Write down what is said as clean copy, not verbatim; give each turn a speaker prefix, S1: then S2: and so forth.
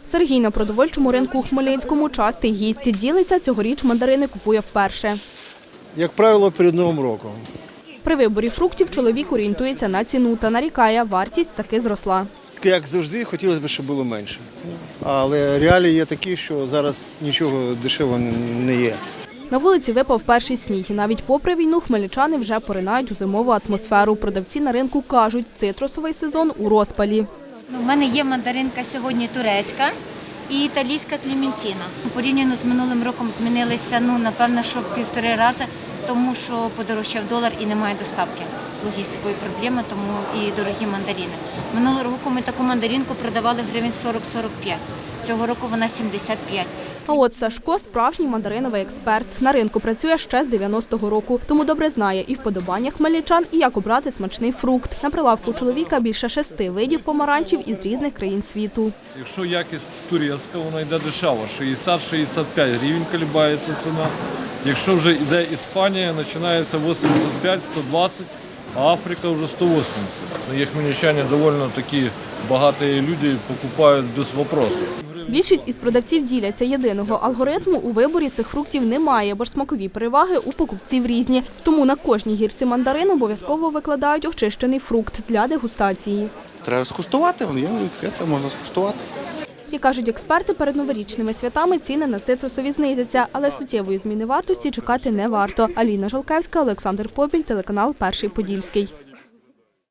S1: Сергій на продовольчому ринку у Хмельницькому частий гість. Ділиться, цьогоріч мандарини купує вперше.
S2: Як правило, перед Новим роком.
S1: При виборі фруктів чоловік орієнтується на ціну та нарікає, вартість таки зросла.
S2: Як завжди, хотілося б, щоб було менше. Але реалії є такі, що зараз нічого дешевого не є.
S1: На вулиці випав перший сніг. І навіть попри війну хмельничани вже поринають у зимову атмосферу. Продавці на ринку кажуть, цитрусовий сезон у розпалі.
S3: У мене є мандаринка сьогодні турецька і італійська клементіна. Порівняно з минулим роком змінилися, напевно, що 1,5 рази, тому що подорожчав долар і немає доставки. З логістикою проблеми, тому і дорогі мандарини. Минулого року ми таку мандаринку продавали гривень 40-45. Цього року вона 75.
S1: А от Сашко – справжній мандариновий експерт. На ринку працює ще з 90-го року, тому добре знає і вподобання хмельничан, і як обрати смачний фрукт. На прилавку чоловіка більше 6 видів помаранчів із різних країн світу.
S4: Якщо якість турецька, вона йде дешево, 60-65 гривень колебається ціна. Якщо вже йде Іспанія, починається 85-120, а Африка вже 180. Є хмельничани доволі такі багаті люди, покупають без вопросів.
S1: Більшість із продавців діляться. Єдиного алгоритму у виборі цих фруктів немає, бо ж смакові переваги у покупців різні. Тому на кожній гірці мандарин обов'язково викладають очищений фрукт для дегустації.
S5: Треба скуштувати, воно є відкрите, можна скуштувати.
S1: Як кажуть експерти, перед новорічними святами ціни на цитрусові знизяться, але суттєвої зміни вартості чекати не варто. Аліна Жолкевська, Олександр Попіль, телеканал «Перший Подільський».